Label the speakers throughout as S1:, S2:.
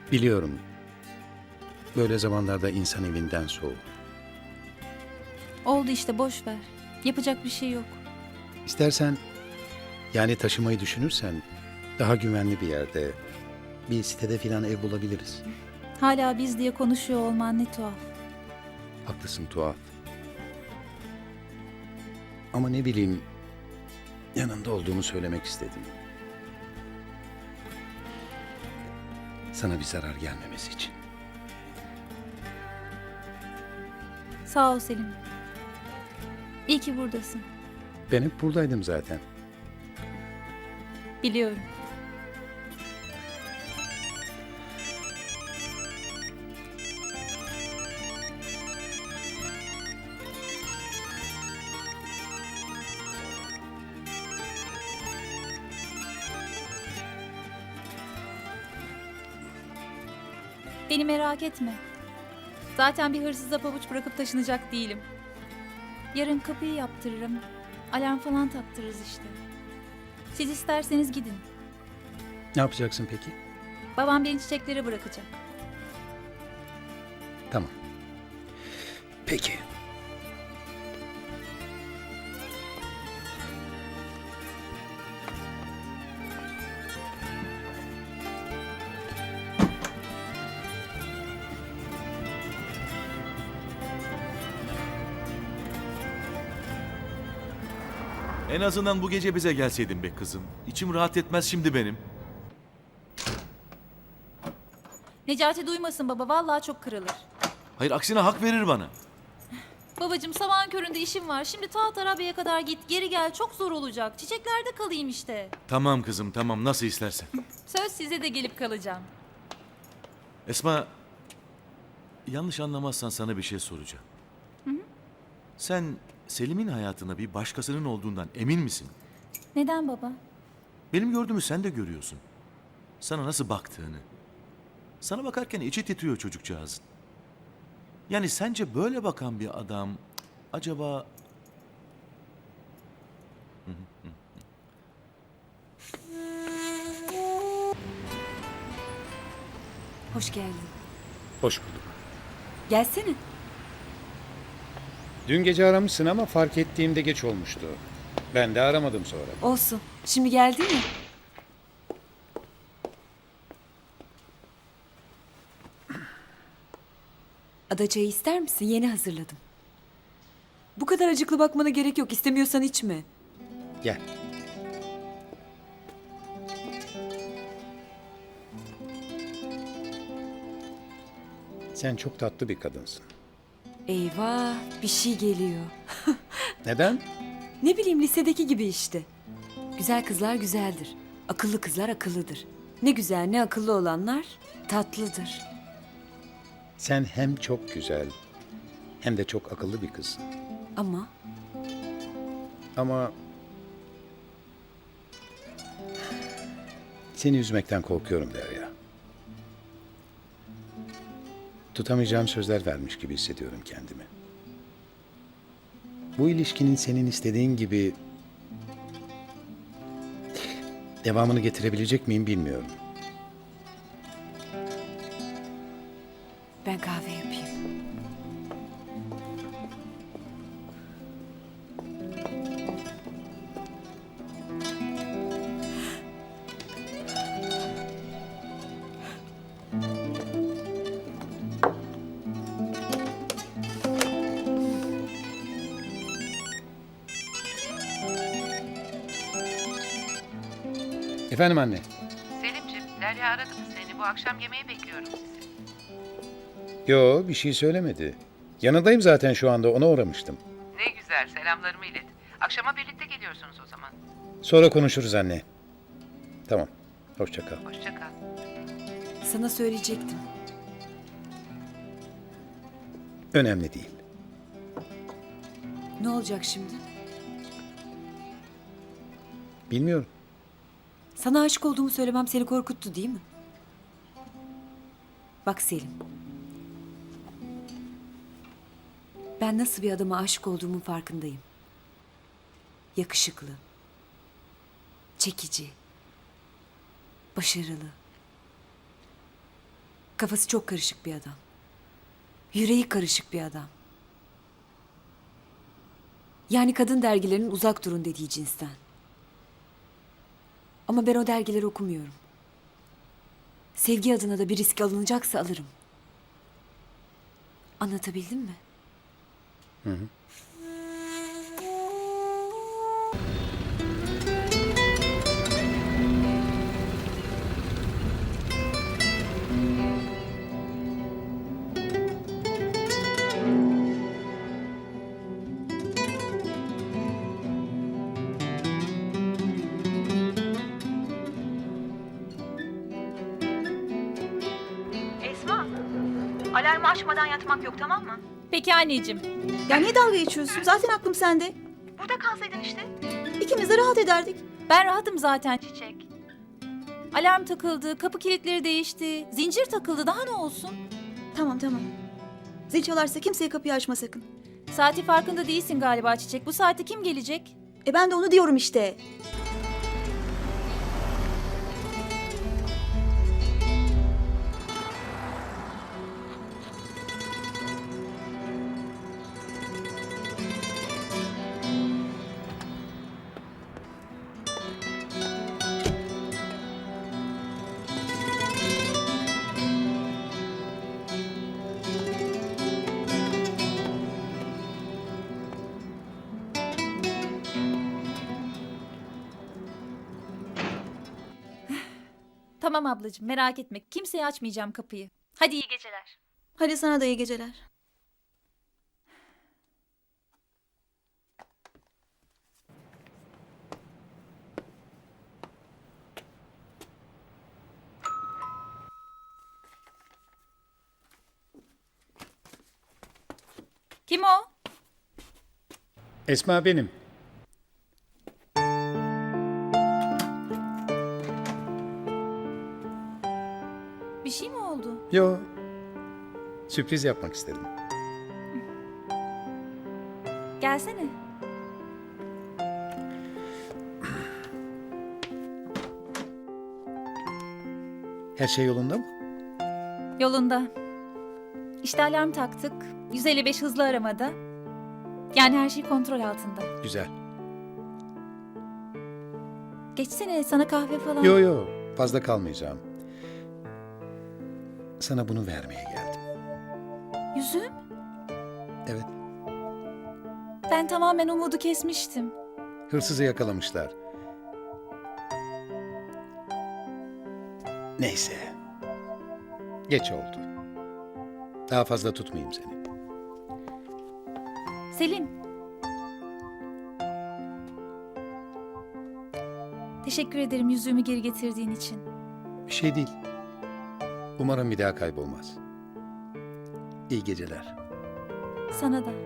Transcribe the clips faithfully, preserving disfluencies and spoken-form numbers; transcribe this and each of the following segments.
S1: Biliyorum. Böyle zamanlarda insan evinden soğur.
S2: Oldu işte, boş ver. Yapacak bir şey yok.
S1: İstersen, yani taşımayı düşünürsen daha güvenli bir yerde, bir sitede filan ev bulabiliriz.
S2: Hala biz diye konuşuyor olman ne tuhaf.
S1: Haklısın, tuhaf. Ama ne bileyim, yanında olduğumu söylemek istedim. Sana bir zarar gelmemesi için.
S2: Sağ ol Selim. İyi ki buradasın.
S1: Ben hep buradaydım zaten.
S2: Biliyorum. Beni merak etme. Zaten bir hırsıza pabuç bırakıp taşınacak değilim. Yarın kapıyı yaptırırım. Alarm falan taktırırız işte. Siz isterseniz gidin.
S1: Ne yapacaksın peki?
S2: Babam beni çiçeklere bırakacak.
S1: Tamam. Peki.
S3: En azından bu gece bize gelseydin be kızım. İçim rahat etmez şimdi benim.
S2: Necati duymasın baba, vallahi çok kırılır.
S3: Hayır, aksine hak verir bana.
S2: Babacığım, sabahın köründe işim var. Şimdi ta Tarabya'ya kadar git, geri gel, çok zor olacak. Çiçeklerde kalayım işte.
S3: Tamam kızım, tamam, nasıl istersen.
S2: Söz, size de gelip kalacağım.
S3: Esma, yanlış anlamazsan sana bir şey soracağım. Sen Selim'in hayatında bir başkasının olduğundan emin misin?
S2: Neden baba?
S3: Benim gördüğümü sen de görüyorsun. Sana nasıl baktığını. Sana bakarken içi titriyor çocukcağızın. Yani sence böyle bakan bir adam acaba...
S4: Hoş geldin.
S1: Hoş bulduk.
S4: Gelsene.
S1: Dün gece aramışsın ama fark ettiğimde geç olmuştu. Ben de aramadım sonra.
S4: Olsun. Şimdi geldin mi? Ada çayı ister misin? Yeni hazırladım. Bu kadar acıklı bakmana gerek yok. İstemiyorsan içme.
S1: Gel. Sen çok tatlı bir kadınsın.
S4: Eyvah, bir şey geliyor.
S1: Neden?
S4: Ne bileyim, lisedeki gibi işte. Güzel kızlar güzeldir. Akıllı kızlar akıllıdır. Ne güzel ne akıllı olanlar tatlıdır.
S1: Sen hem çok güzel hem de çok akıllı bir kızsın.
S4: Ama
S1: Ama seni üzmekten korkuyorum Derya. Tutamayacağım sözler vermiş gibi hissediyorum kendimi. Bu ilişkinin senin istediğin gibi devamını getirebilecek miyim bilmiyorum.
S4: ben kahve yapayım.
S1: Efendim anne.
S5: Selimciğim, Derya aradı mı seni? Bu akşam yemeğe bekliyorum sizi.
S1: Yo, bir şey söylemedi. Yanındayım zaten şu anda, ona uğramıştım.
S5: Ne güzel, selamlarımı ilet. Akşama birlikte geliyorsunuz o zaman.
S1: Sonra konuşuruz anne. Tamam. Hoşça kal.
S5: Hoşça kal.
S4: Sana söyleyecektim.
S1: Önemli değil.
S4: Ne olacak şimdi?
S1: Bilmiyorum.
S4: Sana aşık olduğumu söylemem seni korkuttu değil mi? Bak Selim. Ben nasıl bir adama aşık olduğumun farkındayım. Yakışıklı. Çekici. Başarılı. Kafası çok karışık bir adam. Yüreği karışık bir adam. Yani kadın dergilerinin uzak durun dediği cinsten. Ama ben o dergileri okumuyorum. Sevgi adına da bir risk alınacaksa alırım. Anlatabildim mi?
S6: Esma, alarmı açmadan yatmak yok, tamam mı?
S2: Peki anneciğim.
S6: Ya niye dalga geçiyorsun? Zaten aklım sende. Burada kalsaydın işte. İkimiz de rahat ederdik.
S2: Ben rahatım zaten Çiçek. Alarm takıldı, kapı kilitleri değişti, zincir takıldı, daha ne olsun?
S6: Tamam tamam. Zil çalarsa kimseye kapıyı açma sakın.
S2: Saati farkında değilsin galiba Çiçek. Bu saatte kim gelecek?
S6: E ben de onu diyorum işte.
S2: Tamam ablacığım, merak etme. Kimseye açmayacağım kapıyı. Hadi iyi geceler.
S6: Hadi sana da iyi geceler.
S2: Kim o?
S1: Esma benim.
S2: Bir şey mi oldu?
S1: Yo, sürpriz yapmak istedim.
S2: Gelsene.
S1: Her şey yolunda mı?
S2: Yolunda. İşte alarm taktık. yüz elli beş hızlı aramada. Yani her şey kontrol altında.
S1: Güzel.
S2: Geçsene, sana kahve falan.
S1: Yo yo, fazla kalmayacağım. Sana bunu vermeye geldim.
S2: Yüzüm?
S1: Evet,
S2: Ben tamamen umudu kesmiştim.
S1: hırsızı yakalamışlar. Neyse. Geç oldu. Daha fazla tutmayayım seni.
S2: Selim. Teşekkür ederim yüzüğümü geri getirdiğin için.
S1: Bir şey değil. Umarım bir daha kaybolmaz. İyi geceler.
S2: Sana da.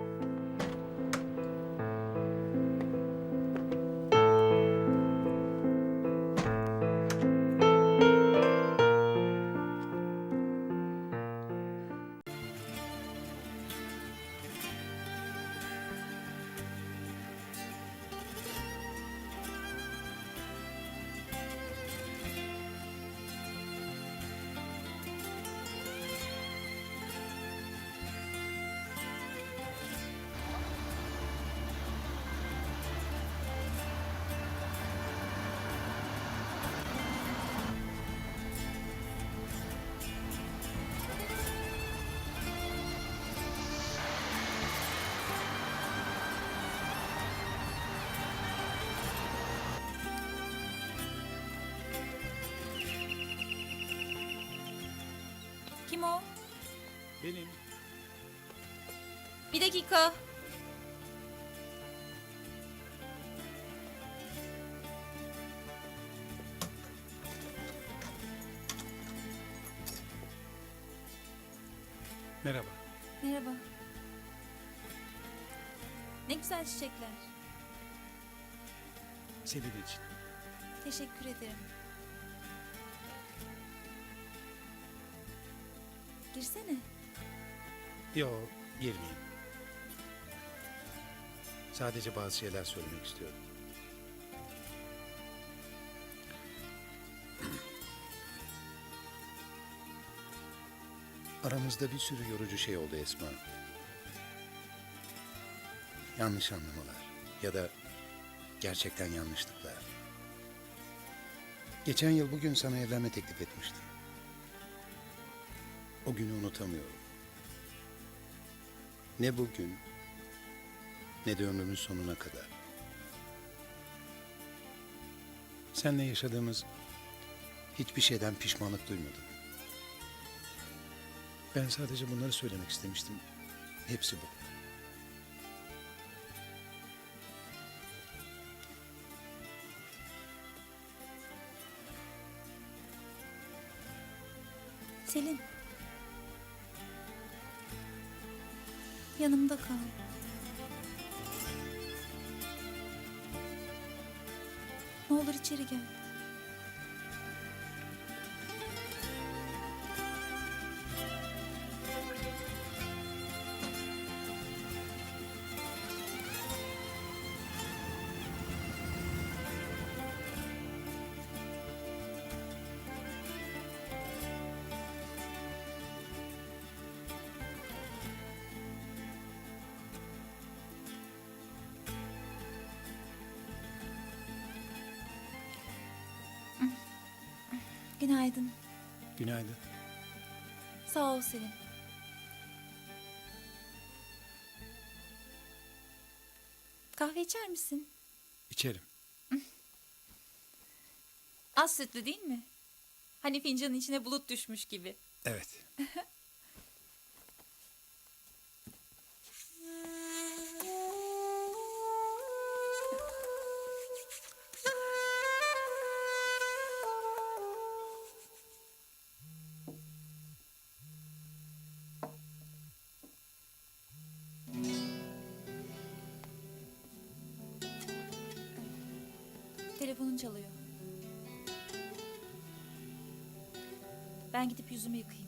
S2: Kim o?
S1: Benim.
S2: Bir dakika.
S1: Merhaba.
S2: Merhaba. Ne güzel çiçekler.
S1: Senin için.
S2: Teşekkür ederim. Girsene.
S1: Yo, girmeyeyim. Sadece bazı şeyler söylemek istiyorum. Aramızda bir sürü yorucu şey oldu Esma. Yanlış anlamalar ya da gerçekten yanlışlıklar. Geçen yıl bugün sana evlenme teklif etmiştim. O günü unutamıyorum. Ne bugün ne de ömrümün sonuna kadar. Seninle yaşadığımız hiçbir şeyden pişmanlık duymadım. Ben sadece bunları söylemek istemiştim. Hepsi bu.
S2: Selin. Yanımda kal. Ne olur içeri gel. Günaydın.
S1: Günaydın.
S2: Sağ ol Selin. Kahve içer misin?
S1: İçerim.
S2: Az sütlü değil mi? Hani fincanın içine bulut düşmüş gibi.
S1: Evet.
S2: Telefonun çalıyor. Ben gidip yüzümü yıkayayım.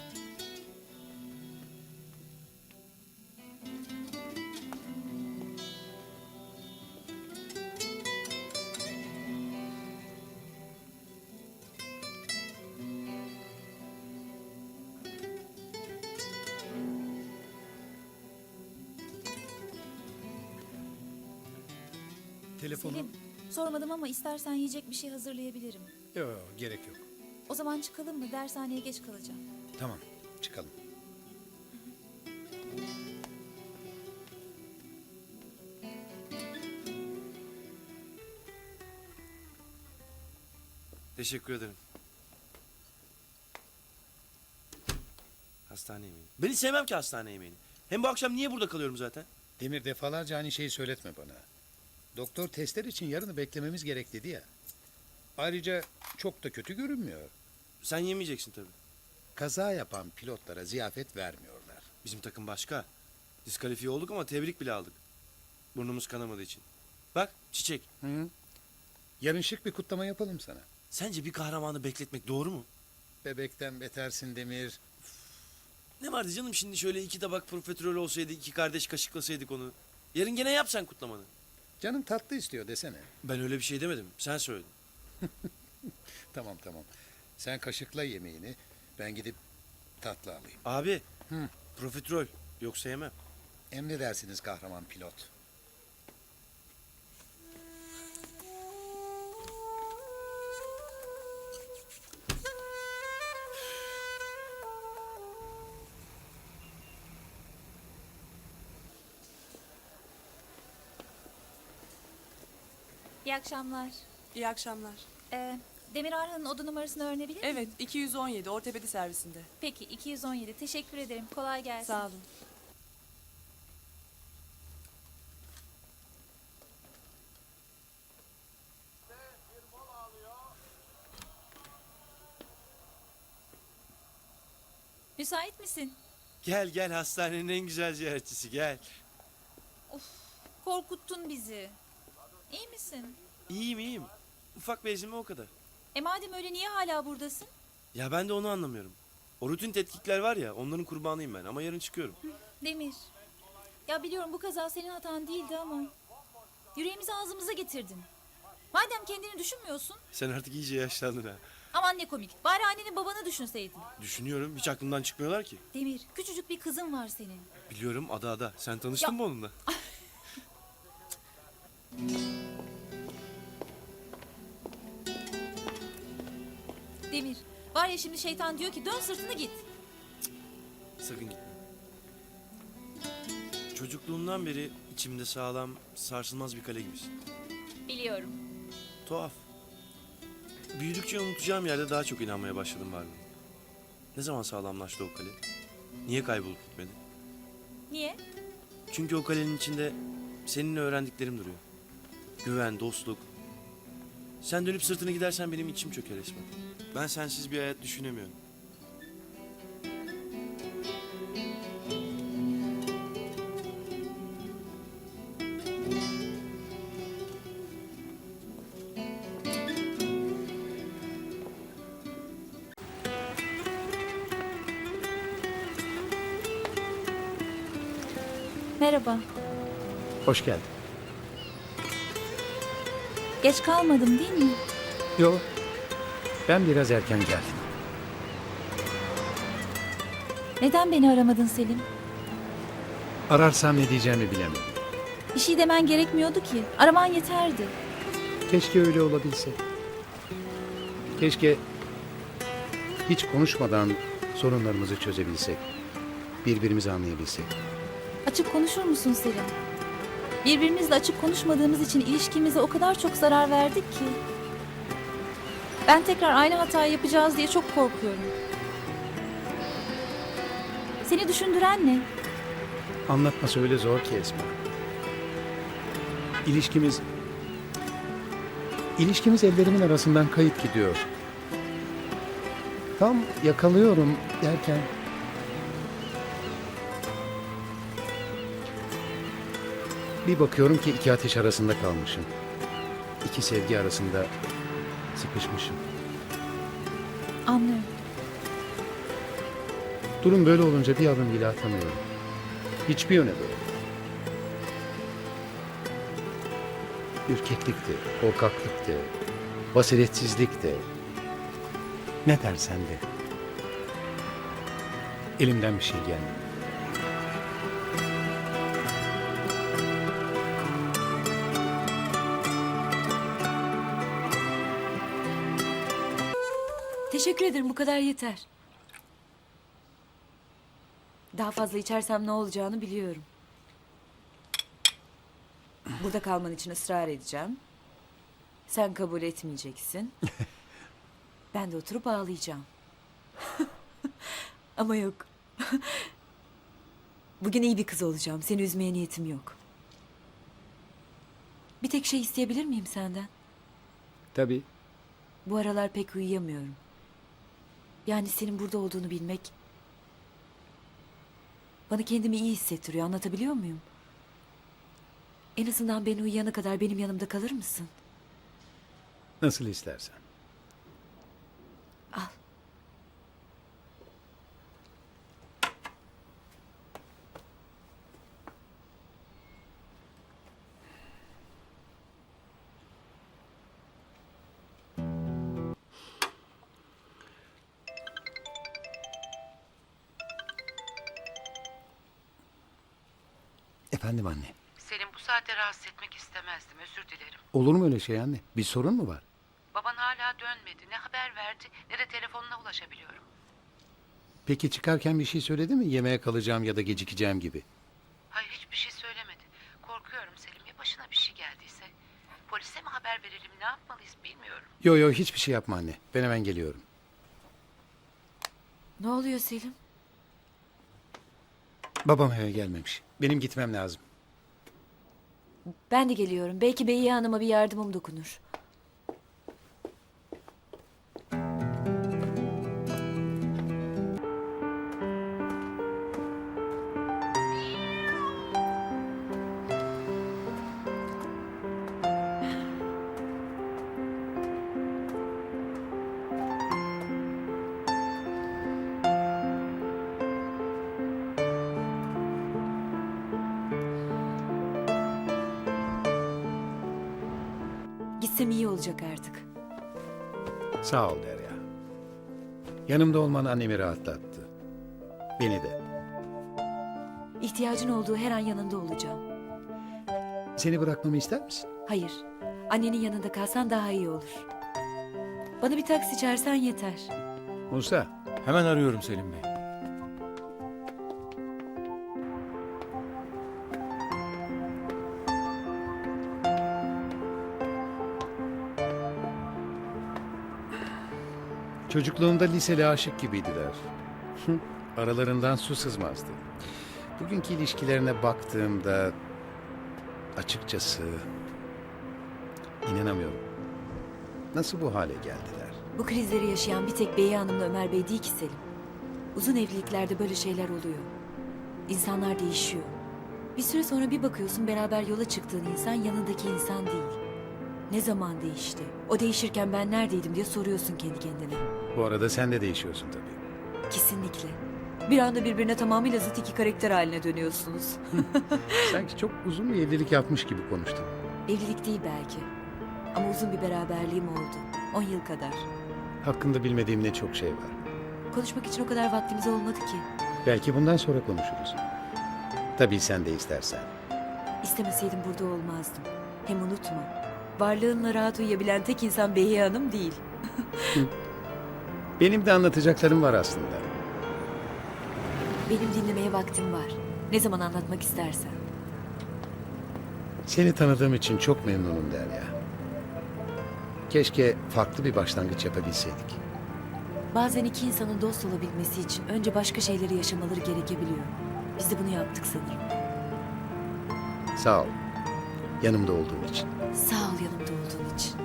S1: Telefonum...
S2: Selin, sormadım ama istersen yiyecek bir şey hazırlayabilirim.
S1: Yok, gerek yok.
S2: O zaman çıkalım mı? Dershaneye geç kalacağım.
S1: Tamam, çıkalım.
S7: Teşekkür ederim. Hastane yemeği. Ben hiç sevmem ki hastane yemeğini. Hem bu akşam niye burada kalıyorum zaten?
S1: Demir, defalarca aynı şeyi söyletme bana. Doktor testler için yarını beklememiz gerek dedi ya. Ayrıca çok da kötü görünmüyor.
S7: Sen yemeyeceksin tabii.
S1: Kaza yapan pilotlara ziyafet vermiyorlar.
S7: Bizim takım başka. Diskalifiye olduk ama tebrik bile aldık. Burnumuz kanamadığı için. Bak çiçek.
S1: Hı? Yarın şık bir kutlama yapalım sana.
S7: Sence bir kahramanı bekletmek doğru mu?
S1: Bebekten betersin Demir.
S7: Ne vardı canım şimdi şöyle iki tabak profiterol olsaydı iki kardeş kaşıklasaydık onu. Yarın gene yap sen kutlamanı.
S1: Canım tatlı istiyor desene.
S7: Ben öyle bir şey demedim. Sen söyledin.
S1: Tamam tamam. Sen kaşıkla yemeğini, ben gidip tatlı alayım.
S7: Abi.
S1: Hı.
S7: Profiterol. Yoksa yemem.
S1: Emredersiniz kahraman pilot.
S2: İyi akşamlar.
S8: İyi akşamlar.
S2: Ee, Demir Arhan'ın oda numarasını öğrenebilir miyim?
S8: Evet, iki yüz on yedi ortopedi servisinde.
S2: Peki, iki yüz on yedi. Teşekkür ederim. Kolay gelsin.
S8: Sağ olun.
S2: Müsait misin?
S7: Gel gel hastanenin en güzel ziyaretçisi gel.
S2: Korkuttun bizi. İyi misin?
S7: İyiyim iyiyim. Ufak bir ezilme o kadar.
S2: E madem öyle niye hala buradasın?
S7: Ya ben de onu anlamıyorum. O rutin tetkikler var ya onların kurbanıyım ben ama yarın çıkıyorum.
S2: Demir. Ya biliyorum bu kaza senin hatan değildi ama... Yüreğimizi ağzımıza getirdin. Madem kendini düşünmüyorsun...
S7: Sen artık iyice yaşlandın ha.
S2: Aman Aman ne komik. Bari annenin babanı düşünseydin.
S7: Düşünüyorum, hiç aklımdan çıkmıyorlar ki.
S2: Demir, küçücük bir kızın var senin.
S7: Biliyorum, Ada Ada. Sen tanıştın
S2: Ya-
S7: mı onunla?
S2: Demir, var ya şimdi şeytan diyor ki dön sırtını git.
S7: Sakın gitme. Çocukluğumdan beri içimde sağlam, sarsılmaz bir kale gibisin.
S2: Biliyorum.
S7: Tuhaf. Büyüdükçe unutacağım yerde daha çok inanmaya başladım varlığına. Ne zaman sağlamlaştı o kale? Niye kaybolup gitmedi?
S2: Niye?
S7: Çünkü o kalenin içinde seninle öğrendiklerim duruyor. Güven, dostluk. Sen dönüp sırtını gidersen benim içim çöker resmen. Ben sensiz bir hayat düşünemiyorum.
S2: Merhaba.
S1: Hoş geldin.
S2: Geç kalmadım değil mi?
S1: Yok. Ben biraz erken geldim.
S2: Neden beni aramadın Selim?
S1: Ararsam ne diyeceğimi bilemedim.
S2: Bir şey demen gerekmiyordu ki. Araman yeterdi.
S1: Keşke öyle olabilse. Keşke hiç konuşmadan sorunlarımızı çözebilsek. Birbirimizi anlayabilsek.
S2: Açık konuşur musun Selim? Birbirimizle açık konuşmadığımız için ilişkimize o kadar çok zarar verdik ki. Ben tekrar aynı hatayı yapacağız diye çok korkuyorum. Seni düşündüren ne?
S1: Anlatması öyle zor ki Esma. İlişkimiz... İlişkimiz ellerimin arasından kayıp gidiyor. Tam yakalıyorum derken... Bir bakıyorum ki iki ateş arasında kalmışım. İki sevgi arasında sıkışmışım.
S2: Anlıyorum.
S1: Durum böyle olunca bir adım bile atamıyorum. Hiçbir yöne doğru. Ürkeklik de, korkaklık de, basiretsizlik de. Ne dersen de. Elimden bir şey gelmiyor.
S4: Teşekkür ederim, bu kadar yeter. Daha fazla içersem ne olacağını biliyorum. Burada kalman için ısrar edeceğim. Sen kabul etmeyeceksin. Ben de oturup ağlayacağım. Ama yok. Bugün iyi bir kız olacağım. Seni üzmeye niyetim yok. Bir tek şey isteyebilir miyim senden?
S1: Tabii.
S4: Bu aralar pek uyuyamıyorum. Yani senin burada olduğunu bilmek bana kendimi iyi hissettiriyor. Anlatabiliyor muyum? En azından ben uyuyana kadar benim yanımda kalır mısın?
S1: Nasıl istersen.
S4: Al.
S1: Efendim anne.
S5: Selim bu saatte rahatsız etmek istemezdim. Özür dilerim.
S1: Olur mu öyle şey anne? Bir sorun mu var?
S5: Baban hala dönmedi. Ne haber verdi ne de telefonuna ulaşabiliyorum.
S1: Peki çıkarken bir şey söyledi mi? Yemeğe kalacağım ya da gecikeceğim gibi.
S5: Hayır hiçbir şey söylemedi. Korkuyorum Selim. Ya başına bir şey geldiyse? Polise mi haber verelim? Ne yapmalıyız bilmiyorum.
S1: Yo yo hiçbir şey yapma anne. Ben hemen geliyorum.
S4: Ne oluyor Selim?
S1: Babam eve gelmemiş. Benim gitmem lazım.
S4: Ben de geliyorum. Belki Beyiye Hanım'a bir yardımım dokunur. Gitsem iyi olacak artık.
S1: Sağ ol Derya. Yanımda olman annemi rahatlattı. Beni de.
S4: İhtiyacın olduğu her an yanında olacağım.
S1: Seni bırakmamı ister misin?
S4: Hayır, annenin yanında kalsan daha iyi olur. Bana bir taksi çağırsan yeter.
S1: Musa,
S3: Hemen arıyorum Selim Bey.
S1: çocukluğumda liseli aşık gibiydiler. Hı, Aralarından su sızmazdı. Bugünkü ilişkilerine baktığımda açıkçası inanamıyorum. Nasıl bu hale geldiler?
S4: Bu krizleri yaşayan bir tek Beyi Hanım'la Ömer Bey değil ki Selim. Uzun evliliklerde böyle şeyler oluyor. İnsanlar değişiyor. Bir süre sonra bir bakıyorsun beraber yola çıktığın insan yanındaki insan değil. Ne zaman değişti? O değişirken ben neredeydim diye soruyorsun kendi kendine.
S1: Bu arada sen de değişiyorsun tabii.
S4: Kesinlikle. Bir anda birbirine tamamıyla zıt iki karakter haline dönüyorsunuz.
S1: Sanki çok uzun bir evlilik yapmış gibi konuştun.
S4: Evlilik değil belki. Ama uzun bir beraberliğim oldu. On yıl kadar.
S1: Hakkında bilmediğim ne çok şey var.
S4: Konuşmak için o kadar vaktimiz olmadı ki.
S1: Belki bundan sonra konuşuruz. Tabii sen de istersen.
S4: İstemeseydim burada olmazdım. Hem unutma. Varlığınla rahat uyuyabilen tek insan Behiye Hanım değil.
S1: Benim de anlatacaklarım var aslında.
S4: Benim dinlemeye vaktim var. Ne zaman anlatmak istersen.
S1: Seni tanıdığım için çok memnunum Derya. Keşke farklı bir başlangıç yapabilseydik.
S4: Bazen iki insanın dost olabilmesi için önce başka şeyleri yaşamaları gerekebiliyor. Biz de bunu yaptık sanırım.
S1: Sağ ol. Yanımda olduğun için.
S4: Sağ ol yanımda olduğun için.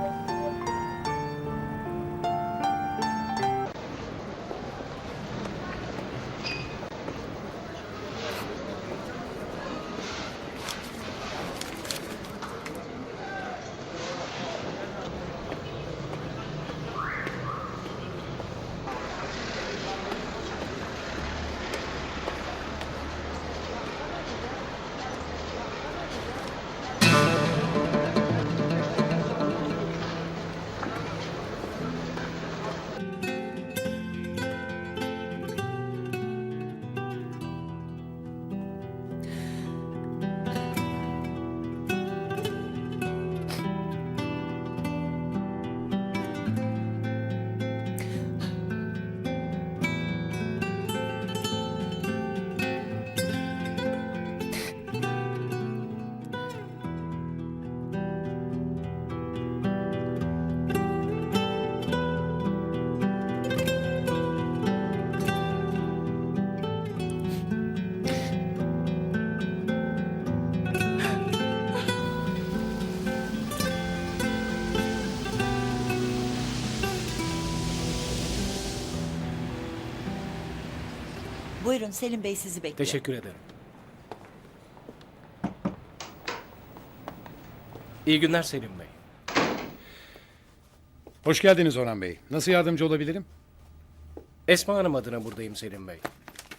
S6: Buyurun Selim Bey sizi bekliyor.
S9: Teşekkür ederim. İyi günler Selim Bey.
S1: Hoş geldiniz Orhan Bey. Nasıl yardımcı olabilirim?
S9: Esma Hanım adına buradayım Selim Bey.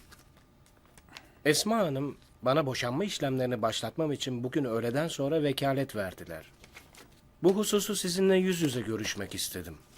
S9: Esma Hanım bana boşanma işlemlerini başlatmam için bugün öğleden sonra vekalet verdiler. Bu hususu sizinle yüz yüze görüşmek istedim.